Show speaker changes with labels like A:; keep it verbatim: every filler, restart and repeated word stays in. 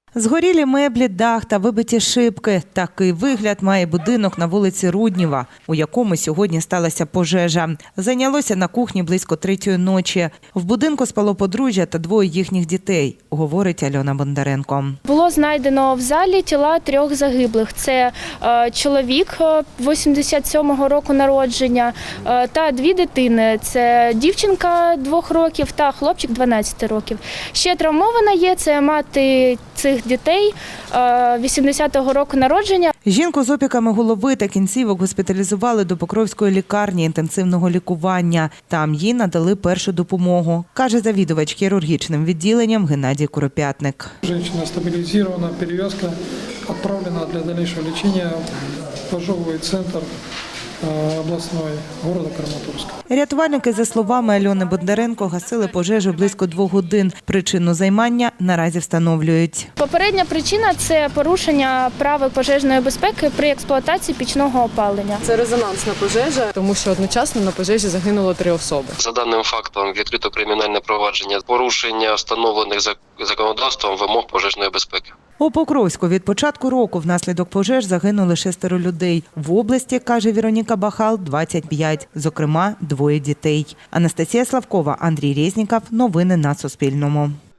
A: Згорілі меблі, дах та вибиті шибки. Такий вигляд має будинок на вулиці Руднєва, у якому сьогодні сталася пожежа. Зайнялося на кухні близько третьої ночі. В будинку спало подружжя та двоє їхніх дітей, говорить Альона Бондаренко.
B: Було знайдено в залі тіла трьох загиблих. Це е, чоловік вісімдесят сьомого року народження е, та дві дитини. Це дівчинка двох років та хлопчик дванадцяти років. Ще травмована є, це мати цих дітей вісімдесятого року народження.
A: Жінку з опіками голови та кінцівок госпіталізували до Покровської лікарні інтенсивного лікування. Там їй надали першу допомогу, каже завідувач хірургічним відділенням Геннадій Куропятник.
C: Жінка стабілізована, перев'язка, відправлена для дальнейшего лечения в ожоговий центр обласної города Краматорська.
A: Рятувальники, за словами Альони Бондаренко, гасили пожежу близько двох годин. Причину займання наразі встановлюють.
B: Попередня причина – це порушення правил пожежної безпеки при експлуатації пічного опалення.
D: Це резонансна пожежа, тому що одночасно на пожежі загинуло три особи.
E: За даним фактом відкрито кримінальне провадження, порушення встановлених законодавством вимог пожежної безпеки.
A: У Покровську від початку року внаслідок пожеж загинули шестеро людей. В області, каже Віроніка Бахал, двадцять п'ять, зокрема двоє дітей. Анастасія Славкова, Андрій Резніков. Новини на Суспільному.